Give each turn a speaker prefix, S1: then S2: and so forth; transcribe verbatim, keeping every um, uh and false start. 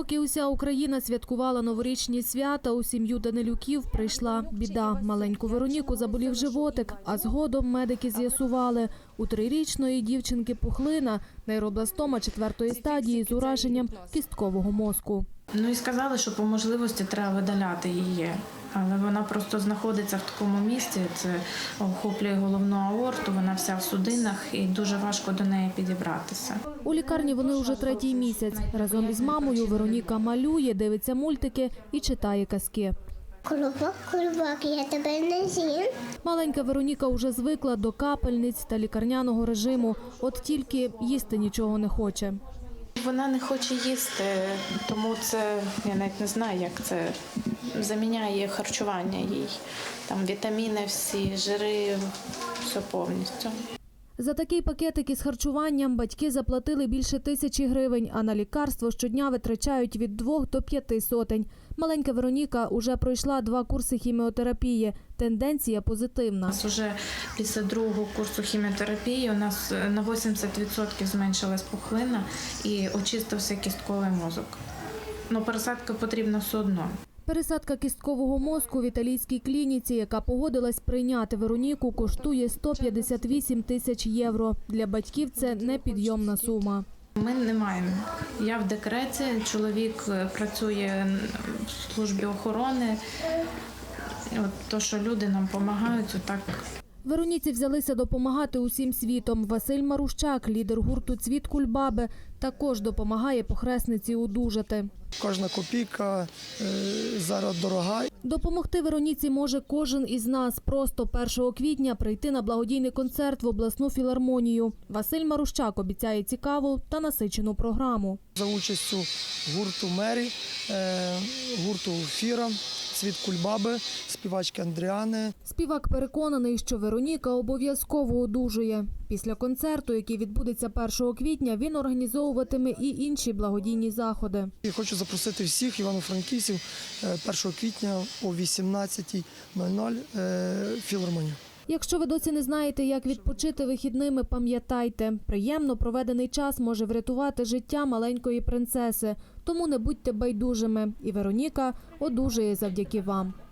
S1: Поки уся Україна святкувала новорічні свята, у сім'ю Данилюків прийшла біда. Маленьку Вероніку заболів животик, а згодом медики з'ясували – у трирічної дівчинки пухлина, нейробластома четвертої стадії з ураженням кісткового мозку.
S2: Ну і сказали, що по можливості треба видаляти її. Але вона просто знаходиться в такому місці, це охоплює головну аорту, вона вся в судинах і дуже важко до неї підібратися.
S1: У лікарні вони вже третій місяць. Разом із мамою Вероніка малює, дивиться мультики і читає казки.
S3: Колобок, колобок, я тебе не з'їм.
S1: Маленька Вероніка вже звикла до капельниць та лікарняного режиму, от тільки їсти нічого не хоче.
S2: Вона не хоче їсти, тому це, я навіть не знаю, як це заміняє харчування їй. Там вітаміни всі, жири, все повністю.
S1: За такий пакетик із харчуванням батьки заплатили більше тисячі гривень, а на лікарство щодня витрачають від двох до п'яти сотень. Маленька Вероніка уже пройшла два курси хіміотерапії. Тенденція позитивна.
S2: У нас вже після другого курсу хіміотерапії у нас на вісімдесят відсотків зменшилась пухлина і очистився кістковий мозок. Ну, пересадка потрібна все одно.
S1: Пересадка кісткового мозку в італійській клініці, яка погодилась прийняти Вероніку, коштує сто п'ятдесят вісім тисяч євро. Для батьків це непідйомна сума.
S2: Ми не маємо. Я в декреті, чоловік працює в службі охорони. От то, що люди нам допомагають, отак.
S1: Вероніці взялися допомагати усім світом. Василь Марущак, лідер гурту «Цвіт Кульбаби», також допомагає похресниці одужати.
S4: Кожна копійка е, зараз дорога.
S1: Допомогти Вероніці може кожен із нас. Просто першого квітня прийти на благодійний концерт в обласну філармонію. Василь Марущак обіцяє цікаву та насичену програму.
S4: За участю гурту «Мері», е, гурту «Фіра», «Цвіт Кульбаби», співачки Андріани.
S1: Співак переконаний, що Вероніка обов'язково одужує. Після концерту, який відбудеться першого квітня, він організовуватиме і інші благодійні заходи.
S4: Я хочу запросити всіх івано-франківців першого квітня о вісімнадцятій нуль нуль в філармонію.
S1: Якщо ви досі не знаєте, як відпочити вихідними, пам'ятайте, приємно проведений час може врятувати життя маленької принцеси. Тому не будьте байдужими. І Вероніка одужує завдяки вам.